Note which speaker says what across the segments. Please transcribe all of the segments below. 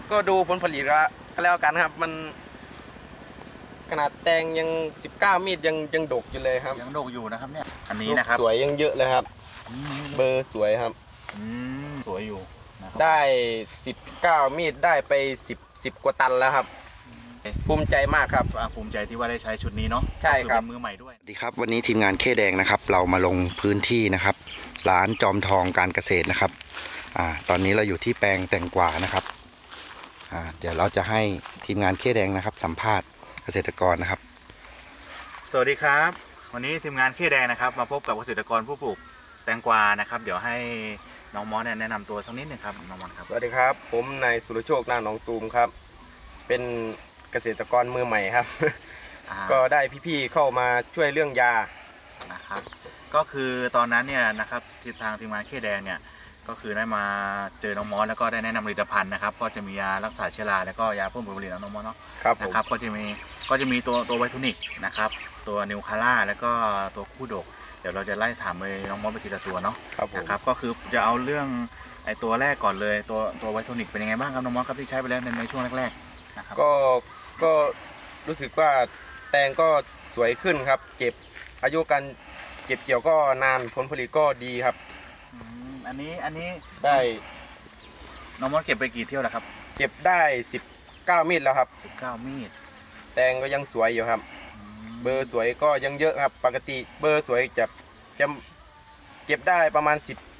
Speaker 1: ก็ดูผลผลิตก็แล้วกันครับมันขนาดแตงยัง19 มีดยังดกอยู่เลยครับ
Speaker 2: ยังดกอยู่นะครับเนี่ยอันนี้นะครับ
Speaker 1: สวยยังเยอะเลยครับเบอร์สวยครับ
Speaker 2: สวยอยู่นะครับ
Speaker 1: ได้19 มีดได้ไป10กว่าตันแล้วครับภูมิใจมากครับ
Speaker 2: ภูมิใจที่ว่าได้ใช้ชุดนี้เนาะ
Speaker 1: ใช่ครับ
Speaker 2: เป็นมือใหม่ด้วย
Speaker 3: สวัสดีครับวันนี้ทีมงานเคแดงนะครับเรามาลงพื้นที่นะครับร้านจอมทองการเกษตรนะครับตอนนี้เราอยู่ที่แปลงแตงกวานะครับเดี๋ยวเราจะให้ทีมงานเคแดงนะครับสัมภาษณ์เกษตรกรนะครับ
Speaker 2: สวัสดีครับวันนี้ทีมงานเคแดงนะครับมาพบกับเกษตรกรผู้ปลูกแตงกวานะครับเดี๋ยวให้น้องมอสแนะนำตัวสักนิดนึงครับน้องมอสครับ
Speaker 1: สวัสดีครับผมนายสุรโชคนาหนองตูมครับเป็นเกษตรกรมือใหม่ครับก็ได้พี่ๆเข้ามาช่วยเรื่องยา
Speaker 2: นะครับก็คือตอนนั้นเนี่ยนะครับทางทีมงานเคแดงเนี่ยก็คือได้มาเจอน้องมอสแล้วก็ได้แนะนำผลิตภัณฑ์นะครับก็จะมียารักษาเชื้อราแล้วก็ยาเพิ่มผลผลิตน้องมอสเนาะนะครับก็จะมีตัวไวทูนิกนะครับตัวนิวคาร่าแล้วก็ตัวคู่ดกเดี๋ยวเราจะไล่ถามไปน้องมอสไปทีละตัวเนาะนะครับก็คือจะเอาเรื่องไอตัวแรกก่อนเลยตัวไวทูนิกเป็นยังไงบ้างครับน้องมอสครับที่ใช้ไปแล้วในช่วงแรกๆนะครับ
Speaker 1: ก็รู้สึกว่าแตงก็สวยขึ้นครับเก็บอายุการเก็บเกี่ยวก็นานผลผลิตก็ดีครับ
Speaker 2: อันนี้
Speaker 1: ได้
Speaker 2: น้องมอสเก็บไปกี่เที่ยวแล้วครับ
Speaker 1: เก็บได้19 มีดแล้วครับ
Speaker 2: 19 มีด
Speaker 1: แตงก็ยังสวยอยู่ครับเบอร์สวยก็ยังเยอะครับปกติเบอร์สวยจะเก็บได้ประมาณ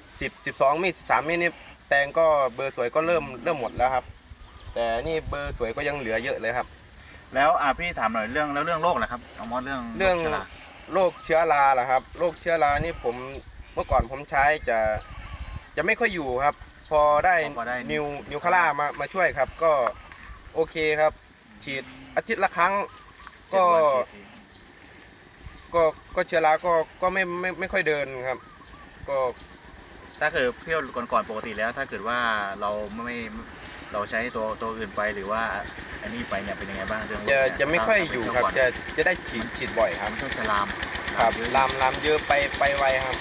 Speaker 1: 12 มีด13 มีดนี่แตงก็เบอร์สวยก็เริ่มหมดแล้วครับแต่นี่เบอร์สวยก็ยังเหลือเยอะเลยครับ
Speaker 2: แล้วพี่ถามหน่อยเรื่องโรคนะครับน้องมอสเรื่อง
Speaker 1: โรคเชื้อราเหรอครับโรคเชื้อรานี่เมื่อก่อนผมใช้จะไม่ค่อยอยู่ครับพอได้นิวคาร่ามาช่วยครับก็โอเคครับฉีดอาทิตย์ละครั้งก็เชื้อราก็ไม่ค่อยเดินครับก็
Speaker 2: ถ้าเกิดเที่ยวก่อนปกติแล้วถ้าเกิดว่าเราใช้ตัวอื่นไปหรือว่าอันนี้ไปเนี่ยเป็นยังไงบ้างเรื่อง
Speaker 1: จะไม่ค่อยอยู่ครับจะได้ฉีดบ่อยครับ
Speaker 2: ช่วงจะลาม
Speaker 1: ครับลามเยอะไปไวครับ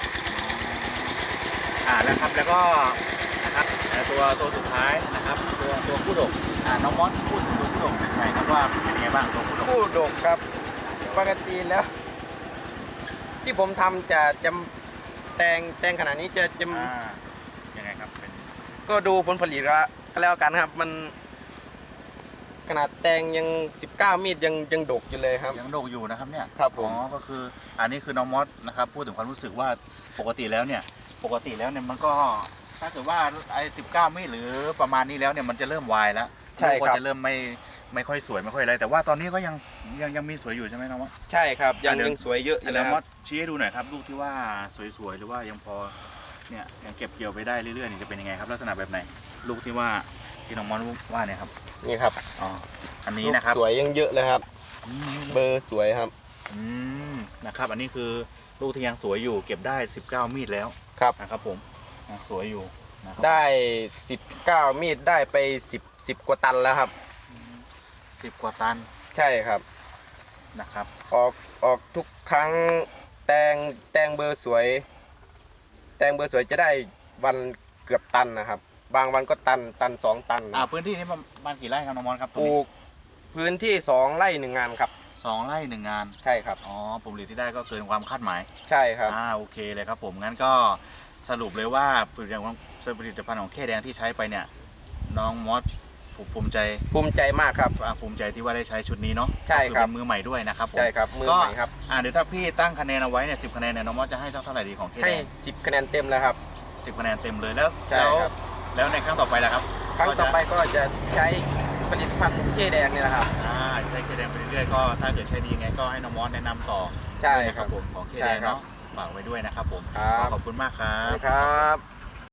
Speaker 2: แล้วครับแล้วก็นะครับตัวสุดท้ายนะครับตัวผู้ดกน้องมอสพูดถึงตัวผู้ดกเป็นไงครับว่าเป็นยังไงบ้างตัว
Speaker 1: ผู้ดกครับปกติแล้วที่ผมทำจะแตงขนาดนี้จะ
Speaker 2: ยังไงครับ
Speaker 1: ก็ดูผลผลิตก็แล้วกันครับมันขนาดแตงยัง19 มีดยังดกอยู่เลยครับ
Speaker 2: ยังดกอยู่นะครับเนี่ย
Speaker 1: ครับผม
Speaker 2: ก็คืออันนี้คือน้องมอสนะครับพูดถึงความรู้สึกว่าปกติแล้วเนี่ยมันก็ถ้าเกิดว่าไอ้19 มีดหรือประมาณนี้แล้วเนี่ยมันจะเริ่มวายแล้ว
Speaker 1: ใช่ครับ
Speaker 2: จะเริ่มไม่ค่อยสวยไม่ค่อยอะไรแต่ว่าตอนนี้ก็ยังมีสวยอยู่ใช่ไหมน้องมอส
Speaker 1: ใช่ครับยังสวยเยอะอยู่
Speaker 2: แล้วมอสชี้ให้ดูหน่อยครับลูกที่ว่าสวยๆหรือว่ายังพอเนี่ยยังเก็บเกี่ยวไปได้เรื่อยๆนี่จะเป็นยังไงครับลักษณะแบบไหนลูกที่น้องมอสว่าเนี่ยครับ
Speaker 1: นี่ครับ
Speaker 2: อันนี้นะครับ
Speaker 1: สวยยังเยอะเลยครับเบอร์สวยครับ
Speaker 2: นะครับอันนี้คือลูกที่ยังสวยอยู่เก็บได้19 มีดแล้ว
Speaker 1: ครับ
Speaker 2: นะครับผมสวยอยู่
Speaker 1: ได้19 มีดได้ไป10กว่าตันแล้วครับ
Speaker 2: 10 กว่าตัน
Speaker 1: ใช่ครับ
Speaker 2: นะครับ
Speaker 1: ออกทุกครั้งแตงเบอร์สวยจะได้วันเกือบตันนะครับบางวันก็ตัน2 ตัน
Speaker 2: พื้นที่นี้ประมาณกี่ไร่ครับน้องมอนครับ
Speaker 1: ปลูกพื้นที่2 ไร่ 1 งานครับ
Speaker 2: 2 ไร่ 1 งาน
Speaker 1: ใช่ครับ
Speaker 2: ผลผลิตที่ได้ก็เกินความคาดหมาย
Speaker 1: ใช่ครับ
Speaker 2: โอเคเลยครับผมงั้นก็สรุปเลยว่าผลิตภัณฑ์ของเคแดงที่ใช้ไปเนี่ยน้องมอสภูมิใจ
Speaker 1: มากครับ
Speaker 2: ภูมิใจที่ว่าได้ใช้ชุดนี้เนาะ
Speaker 1: ใช่ครับ
Speaker 2: มือใหม่ด้วยนะครับ
Speaker 1: ใช่ครับมือใหม่ครับ
Speaker 2: เดี๋ยวถ้าพี่ตั้งคะแนนเอาไว้เนี่ย10 คะแนนเนี่ยน้องมอสจะให้เท่าไหร่ดีของเคแดง
Speaker 1: ให้10 คะแนนเต็มแล้วครับ
Speaker 2: 10 คะแนนเต็มเลยแล้วในครั้งต่อไปล่ะครับ
Speaker 1: ครั้งต่อไปก็จะใช้ผลิตภัณฑ์เคแดงนี่แหละครับ
Speaker 2: ใช้เคแดงไปเรื่อยๆก็ถ้าเกิดใช้ดีไงก็ให้น้องมอสแนะนำต่อ
Speaker 1: ใช่
Speaker 2: ครับผมของเคแดงเนาะฝากไว้ด้วยนะครับผมขอบคุณมากครับ